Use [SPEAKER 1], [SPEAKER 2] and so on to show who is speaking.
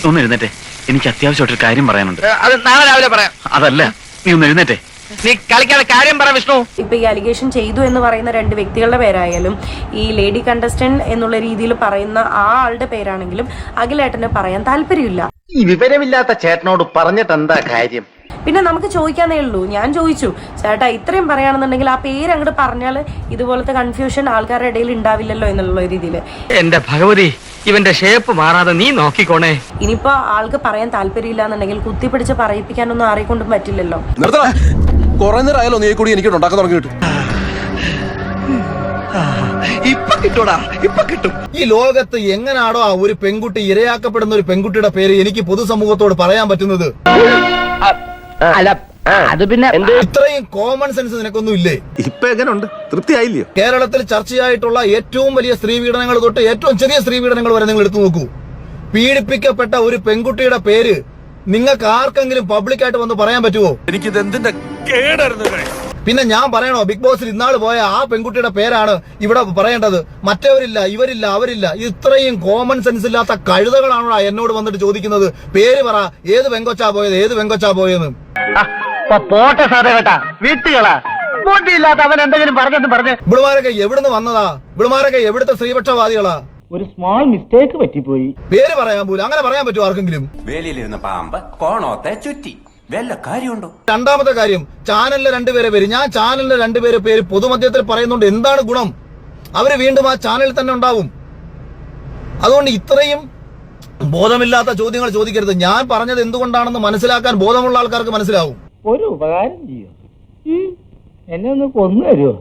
[SPEAKER 1] ഒന്ന് എഴുന്നേറ്റെ, എനിക്ക് അത്യാവശ്യമായിട്ടൊരു കാര്യം പറയാനുണ്ട്.
[SPEAKER 2] അത് നാളെ രാവിലെ പറയാം.
[SPEAKER 1] അതല്ല, നീ ഒന്ന് എഴുന്നേറ്റെ.
[SPEAKER 2] നീ കളിക്കാതെ കാര്യം പറ വിഷ്ണു.
[SPEAKER 3] ഇപ്പൊ ഈ അലിഗേഷൻ ചെയ്തു എന്ന് പറയുന്ന രണ്ട് വ്യക്തികളുടെ പേരായാലും ഈ ലേഡി കണ്ടസ്റ്റന്റ് എന്നുള്ള രീതിയിൽ പറയുന്ന ആ ആളുടെ പേരാണെങ്കിലും അഖിലേട്ടന് പറയാൻ താല്പര്യമില്ല.
[SPEAKER 4] ഈ വിവരമില്ലാത്ത ചേട്ടനോട് പറഞ്ഞിട്ട് എന്താ കാര്യം?
[SPEAKER 3] പിന്നെ നമുക്ക് ചോദിക്കാന്നേ ഉള്ളൂ. ഞാൻ ചോദിച്ചു, ചേട്ടാ ഇത്രയും പറയുകയാണെന്നുണ്ടെങ്കിൽ ആ പേര് അങ്ങോട്ട് പറഞ്ഞാൽ ഇതുപോലത്തെ കൺഫ്യൂഷൻ ആൾക്കാരുടെ ഇടയിൽ ഉണ്ടാവില്ലല്ലോ എന്നുള്ള രീതിയിൽ.
[SPEAKER 2] എന്റെ ഭഗവതി, ഇവന്റെ ഷേപ്പ് മാറാതെ നീ നോക്കിക്കോണേ.
[SPEAKER 3] ഇനിയിപ്പോ ആൾക്ക് പറയാൻ താല്പര്യമില്ല എന്നുണ്ടെങ്കിൽ കുത്തിപ്പിടിച്ച് പറയിപ്പിക്കാനൊന്നും ആരെക്കൊണ്ടും പറ്റില്ലല്ലോ.
[SPEAKER 5] കുറെ നേരമായാലോ നീ കൂടി എനിക്ക് ഉണ്ടാക്കാൻ തുടങ്ങിയിട്ട്.
[SPEAKER 2] ഇപ്പൊ കിട്ടൂടാ, ഇപ്പൊ കിട്ടും.
[SPEAKER 6] ഈ ലോകത്ത് എങ്ങനാണോ ഒരു പെൺകുട്ടി ഇരയാക്കപ്പെടുന്ന ഒരു പെൺകുട്ടിയുടെ പേര് എനിക്ക് പൊതുസമൂഹത്തോട് പറയാൻ പറ്റുന്നത്?
[SPEAKER 2] അല്ല, അത് പിന്നെ
[SPEAKER 6] ഇത്രയും കോമൺ സെൻസ് നിനക്കൊന്നും ഇല്ലേ?
[SPEAKER 5] ഇപ്പൊ എങ്ങനെയുണ്ട്? തൃപ്തിയായില്ലയോ?
[SPEAKER 6] കേരളത്തിൽ ചർച്ചയായിട്ടുള്ള ഏറ്റവും വലിയ സ്ത്രീപീഡനങ്ങൾ തൊട്ട് ഏറ്റവും ചെറിയ സ്ത്രീപീഡനങ്ങൾ വരെ നിങ്ങൾ എടുത്തു നോക്കൂ. പീഡിപ്പിക്കപ്പെട്ട ഒരു പെൺകുട്ടിയുടെ പേര് നിങ്ങൾക്ക് ആർക്കെങ്കിലും പബ്ലിക്കായിട്ട് വന്ന് പറയാൻ പറ്റുമോ?
[SPEAKER 5] എനിക്കിത് എന്തിന്റെ കേടായിരുന്നു.
[SPEAKER 6] പിന്നെ ഞാൻ പറയണോ ബിഗ് ബോസിൽ ഇന്നാള് പോയ ആ പെൺകുട്ടിയുടെ പേരാണ് ഇവിടെ പറയേണ്ടത്? മറ്റവരില്ല, ഇവരില്ല, അവരില്ല. ഇത്രയും കോമൺ സെൻസ് ഇല്ലാത്ത കഴുതകളാണോ എന്നോട് വന്നിട്ട് ചോദിക്കുന്നത് പേര് പറ, ഏത് പെങ്കൊച്ചാ പോയത്, ഏത് പെങ്കൊച്ചാ പോയെന്ന്?
[SPEAKER 4] പോട്ടെ സാറേ കേട്ടാ, വീട്ടുകളാ ബോട്ടിയില്ലാത്ത അവൻ എന്തെങ്കിലും പറഞ്ഞ്
[SPEAKER 6] ഇവിടുമാരൊക്കെ എവിടുന്ന് വന്നതാ? ഇവിടുമാരൊക്കെ എവിടുത്തെ സ്ത്രീപക്ഷവാദികളാ?
[SPEAKER 4] ഒരു സ്മോൾ മിസ്റ്റേക്ക് പറ്റിപ്പോയി.
[SPEAKER 6] പേര് പറയാൻ പോലും അങ്ങനെ പറയാൻ പറ്റുമോ ആർക്കെങ്കിലും?
[SPEAKER 7] വേലിയിലിരുന്ന പാമ്പ് കോണോത്തെ ചുറ്റി വല്ല കാര്യമുണ്ടോ?
[SPEAKER 6] രണ്ടാമത്തെ കാര്യം, ചാനലിലെ രണ്ടുപേരെ പേര്, ഞാൻ ചാനലിലെ രണ്ടുപേരെ പേര് പൊതുമധ്യത്തിൽ പറയുന്നുണ്ട്. എന്താണ് ഗുണം? അവര് വീണ്ടും ആ ചാനലിൽ തന്നെ ഉണ്ടാവും. അതുകൊണ്ട് ഇത്രയും ബോധമില്ലാത്ത ചോദ്യങ്ങൾ ചോദിക്കരുത്. ഞാൻ പറഞ്ഞത് എന്തുകൊണ്ടാണെന്ന് മനസ്സിലാക്കാൻ ബോധമുള്ള ആൾക്കാർക്ക് മനസ്സിലാവും.
[SPEAKER 4] ഒരു ഉപകാരം ചെയ്യും, എന്നെ ഒന്ന് കൊന്നു തരുമോ?